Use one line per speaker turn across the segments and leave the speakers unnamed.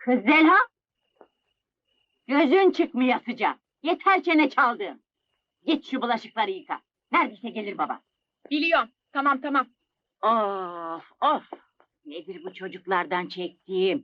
Kız Zelha! Gözün çıkmıyor sıcak. Yeter çene çaldın. Git şu bulaşıkları yıka. Neredeyse gelir baba.
Biliyorum. Tamam tamam.
Of of! Nedir bu çocuklardan çektiğim?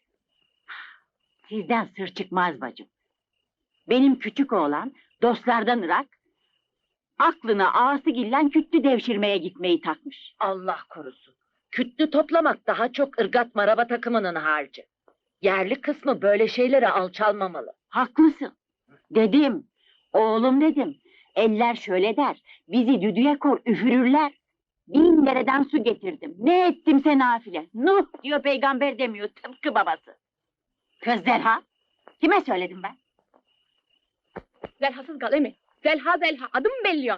Sizden sır çıkmaz bacım. Benim küçük oğlan dostlardan ırak, aklına ağasıgillen kütlü devşirmeye gitmeyi takmış.
Allah korusun. Kütlü toplamak daha çok ırgat maraba takımının harcı. Yerli kısmı böyle şeylere alçalmamalı.
Haklısın. Dedim, oğlum dedim. Eller şöyle der, bizi düdüğe kor üfürürler. 1000 dereden su getirdim. Ne ettimse nafile. Nuh diyor peygamber demiyor tıpkı babası. Kız Zelha, kime söyledim ben?
Zelhasız kal emi. Zelha Zelha. Adım belliyor.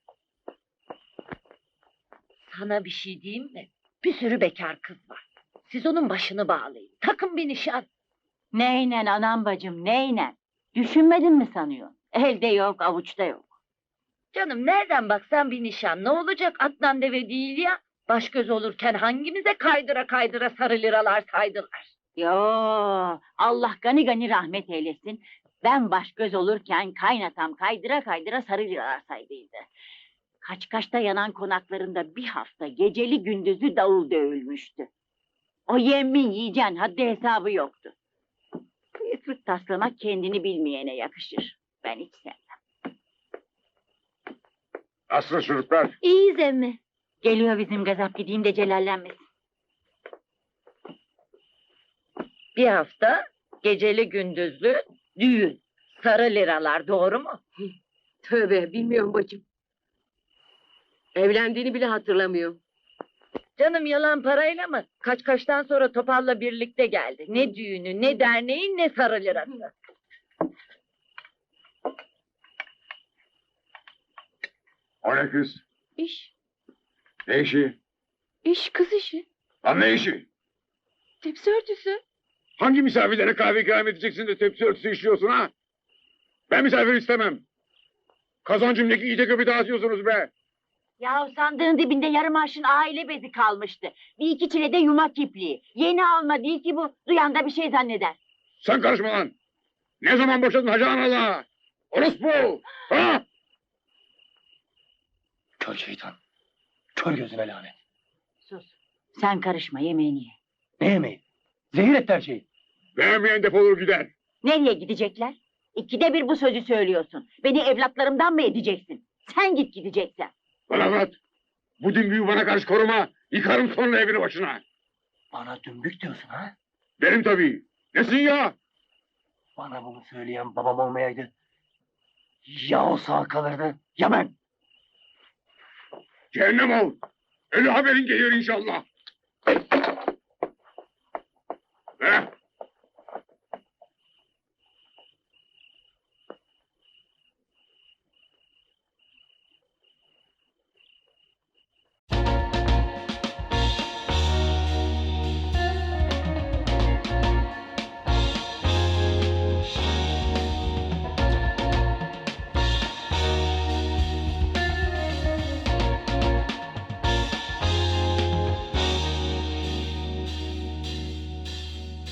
Sana bir şey diyeyim mi? Bir sürü bekar kız var. Siz onun başını bağlayın. Takın bir nişan.
Neynen anam bacım, neynen? Düşünmedin mi sanıyorsun? Elde yok, avuçta yok.
Canım nereden baksan bir nişan. Ne olacak Adnan deve değil ya. Baş göz olurken hangimize kaydıra kaydıra sarı liralar saydılar.
Yo, Allah gani gani rahmet eylesin. Ben baş göz olurken kaynatam kaydıra kaydıra sarı liralar saydıydı. Kaçkaş'ta yanan konaklarında bir hafta geceli gündüzlü davul dövülmüştü. O yemin yiyeceğin haddi hesabı yoktu. Kıyıklık taslamak kendini bilmeyene yakışır. Ben hiç sevmem.
Nasılsınız çocuklar?
İyiyiz emmi.
Geliyor bizim gazap, gideyim de celallenmesin.
Bir hafta geceli gündüzlü düğün. Sarı liralar doğru mu?
Tövbe bilmiyorum bacım. Evlendiğini bile hatırlamıyorum.
Canım yalan parayla mı? Kaçkaştan sonra Topal'la birlikte geldi. Ne düğünü, ne derneği, ne sarı lirası.
O ne kız?
İş.
Ne işi?
İş kız işi.
Lan ne işi?
Tepsi örtüsü.
Hangi misafirlere kahve ikram edeceksin de tepsi örtüsü işliyorsun ha? Ben misafir istemem. Kazancımdaki iyice göbü dağıtıyorsunuz be.
Ya sandığın dibinde yarım arşın aile bezi kalmıştı. Bir iki çile de yumak ipliği. Yeni alma değil ki bu. Duyan da bir şey zanneder.
Sen karışma lan. Ne zaman boşadın Hacı Anal'a? Orospu! Ha?
Kör şeytan. Kör gözüne lanet.
Sus. Sen karışma, yemeğini ye.
Ne yemeği? Zehir etti her şeyi.
Beğenmeyen defolur gider.
Nereye gidecekler? İkide bir bu sözü söylüyorsun. Beni evlatlarımdan mı edeceksin? Sen git gideceksen.
Bana anlat. Bu dümbüğü bana karşı koruma. Yıkarım sonra evini başına.
Bana dümbük diyorsun ha?
Benim tabii. Nesin ya?
Bana bunu söyleyen babam olmayaydı. Ya o sağ kalırdı ya ben.
Cehennem ol. Ölü haberin gelir inşallah.